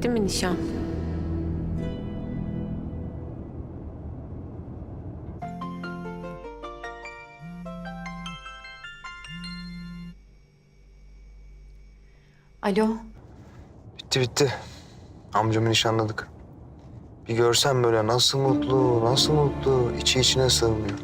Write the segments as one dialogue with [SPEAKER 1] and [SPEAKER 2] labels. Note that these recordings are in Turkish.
[SPEAKER 1] Bitti mi nişan? Alo.
[SPEAKER 2] Bitti bitti. Amcamı nişanladık. Bir görsen böyle nasıl mutlu, nasıl mutlu. İçi içine sığmıyor.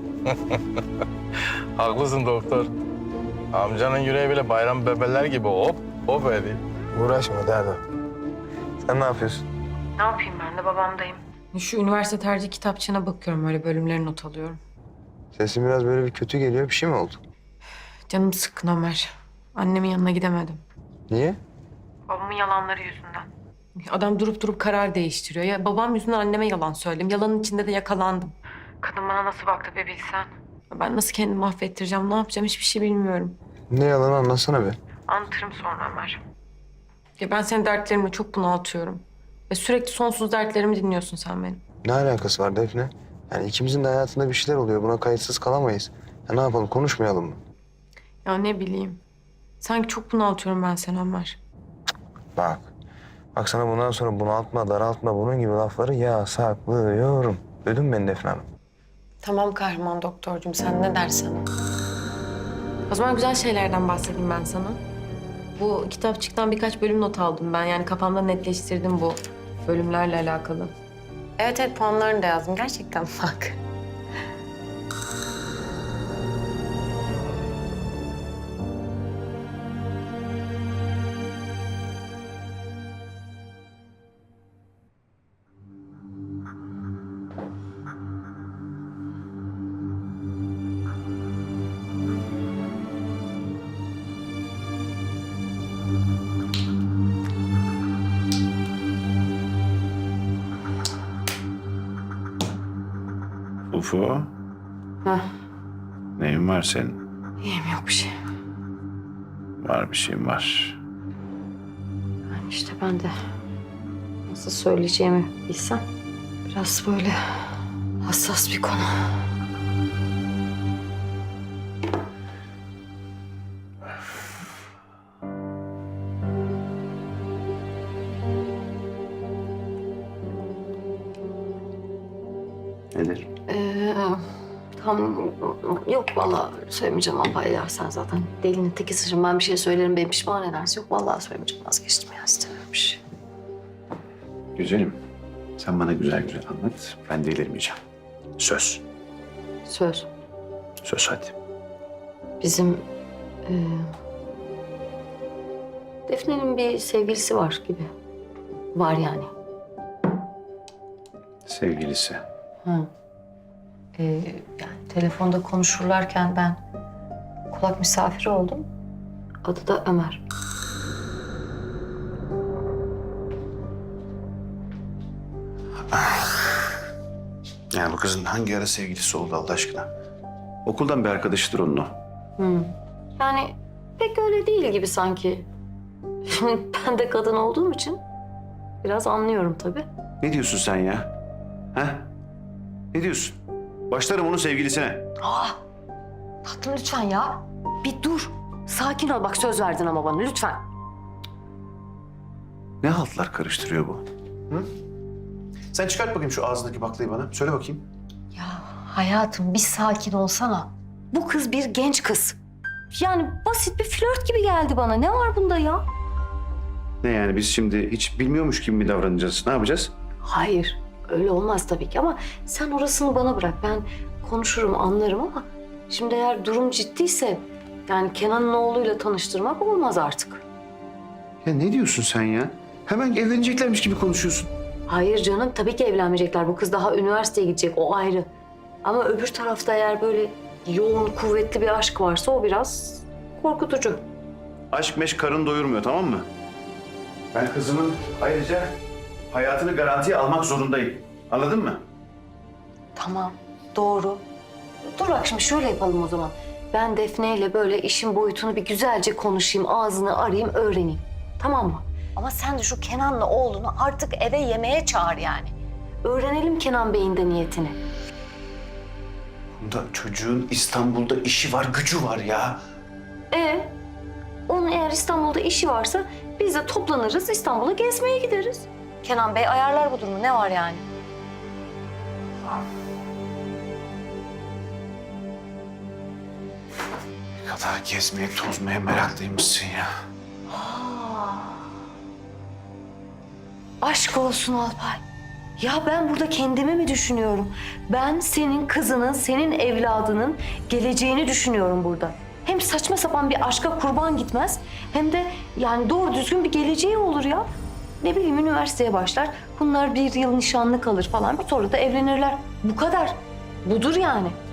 [SPEAKER 3] Haklısın doktor. Amcanın yüreği bile bayram bebeler gibi hop hop ediyor.
[SPEAKER 2] Uğraşma derdim. Sen ne yapıyorsun?
[SPEAKER 1] Ne yapayım ben de babamdayım. Şu üniversite tercih kitapçığına bakıyorum. Öyle bölümleri not alıyorum.
[SPEAKER 2] Sesin biraz böyle bir kötü geliyor. Bir şey mi oldu?
[SPEAKER 1] Canım sıkkın Ömer. Annemin yanına gidemedim.
[SPEAKER 2] Niye?
[SPEAKER 1] Babamın yalanları yüzünden. Adam durup durup karar değiştiriyor. Ya babam yüzünden anneme yalan söyledim. Yalanın içinde de yakalandım. Kadın bana nasıl baktı be bilsen. Ben nasıl kendimi affettireceğim, ne yapacağım hiçbir şey bilmiyorum.
[SPEAKER 2] Ne yalanı anlatsana be.
[SPEAKER 1] Anlatırım sonra Ömer. Ya ben senin dertlerimle çok bunaltıyorum. Ve sürekli sonsuz dertlerimi dinliyorsun sen benim.
[SPEAKER 2] Ne alakası var Defne? Yani ikimizin de hayatında bir şeyler oluyor. Buna kayıtsız kalamayız. Ya ne yapalım, konuşmayalım mı?
[SPEAKER 1] Ya ne bileyim. Sanki çok bunaltıyorum ben seni Ömer.
[SPEAKER 2] Bak. Bak sana bundan sonra bunaltma, daraltma bunun gibi lafları yasaklıyorum. Duydun mu beni Defne Hanım?
[SPEAKER 1] Tamam kahraman doktorcum, sen ne dersen. O zaman güzel şeylerden bahsedeyim ben sana. Bu kitapçıktan birkaç bölüm not aldım ben. Yani kafamda netleştirdim bu bölümlerle alakalı. Evet evet, puanlarını da yazdım. Gerçekten bak.
[SPEAKER 4] Ufo,
[SPEAKER 1] Heh,
[SPEAKER 4] neyin var senin?
[SPEAKER 1] iyiyim, yok bir şey.
[SPEAKER 4] Var bir şeyin var.
[SPEAKER 1] Yani işte ben de nasıl söyleyeceğimi bilsem. Biraz böyle hassas bir konu.
[SPEAKER 4] Nedir?
[SPEAKER 5] Tam yok vallahi söylemeyeceğim abla ya, sen zaten delinin tekisisin. Ben bir şey söylerim, beni pişman edersin. Yok vallahi söylemeyeceğim, vazgeçtim ya, istemiyorum bir şey.
[SPEAKER 4] Güzelim. Sen bana güzel güzel anlat. Ben delirmeyeceğim. Söz.
[SPEAKER 5] Söz.
[SPEAKER 4] Söz hadi.
[SPEAKER 5] Bizim Defne'nin bir sevgilisi var gibi. Var yani.
[SPEAKER 4] Sevgilisi.
[SPEAKER 5] Ha. Yani telefonda konuşurlarken ben kulak misafiri oldum. Adı da Ömer.
[SPEAKER 4] Yani bu kızın hangi ara sevgilisi oldu Allah aşkına? Okuldan bir arkadaşıdır onun o.
[SPEAKER 5] Yani pek öyle değil gibi sanki. Şimdi ben de kadın olduğum için biraz anlıyorum tabii.
[SPEAKER 4] Ne diyorsun sen ya? Ha? Ne diyorsun? Başlarım onun sevgilisine.
[SPEAKER 5] Tatlım lütfen ya. Bir dur. Sakin ol, bak söz verdin ama bana lütfen.
[SPEAKER 4] Ne haltlar karıştırıyor bu? Hı? Sen çıkart bakayım şu ağzındaki baklayı bana. Söyle bakayım.
[SPEAKER 5] Ya hayatım bir sakin olsana. Bu kız bir genç kız. Yani basit bir flört gibi geldi bana. Ne var bunda ya?
[SPEAKER 4] Ne yani biz şimdi hiç bilmiyormuş gibi mi davranacağız? Ne yapacağız?
[SPEAKER 5] Hayır, öyle olmaz tabii ki ama sen orasını bana bırak. Ben konuşurum, anlarım ama şimdi eğer durum ciddiyse yani Kenan'ın oğluyla tanıştırmak olmaz artık.
[SPEAKER 4] Ya ne diyorsun sen ya? Hemen evleneceklermiş gibi konuşuyorsun.
[SPEAKER 5] Hayır canım, tabii ki evlenmeyecekler. Bu kız daha üniversiteye gidecek, o ayrı. Ama öbür tarafta eğer böyle yoğun, kuvvetli bir aşk varsa o biraz korkutucu.
[SPEAKER 4] Aşk meşk karın doyurmuyor, tamam mı? Ben kızımın ayrıca hayatını garantiye almak zorundayım. Anladın mı?
[SPEAKER 5] Tamam, doğru. Dur bak şimdi şöyle yapalım o zaman. Ben Defne ile böyle işin boyutunu bir güzelce konuşayım, ağzını arayayım, öğreneyim. Tamam mı? Ama sen de şu Kenan'la oğlunu artık eve yemeğe çağır yani. Öğrenelim Kenan Bey'in de niyetini.
[SPEAKER 4] Bunda çocuğun İstanbul'da işi var, gücü var ya.
[SPEAKER 5] Onun eğer İstanbul'da işi varsa biz biz de toplanırız, İstanbul'a gezmeye gideriz. Kenan Bey ayarlar bu durumu. Ne var yani?
[SPEAKER 4] Ne kadar gezmeye, tozmaya meraklıymışsın ya.
[SPEAKER 5] Aşk olsun Alpay. Ya ben burada kendimi mi düşünüyorum? Ben senin kızının, senin evladının geleceğini düşünüyorum burada. Hem saçma sapan bir aşka kurban gitmez, hem de yani doğru düzgün bir geleceği olur ya. Ne bileyim, üniversiteye başlar, bunlar bir yıl nişanlı kalır falan, sonra da evlenirler. Bu kadar. Budur yani.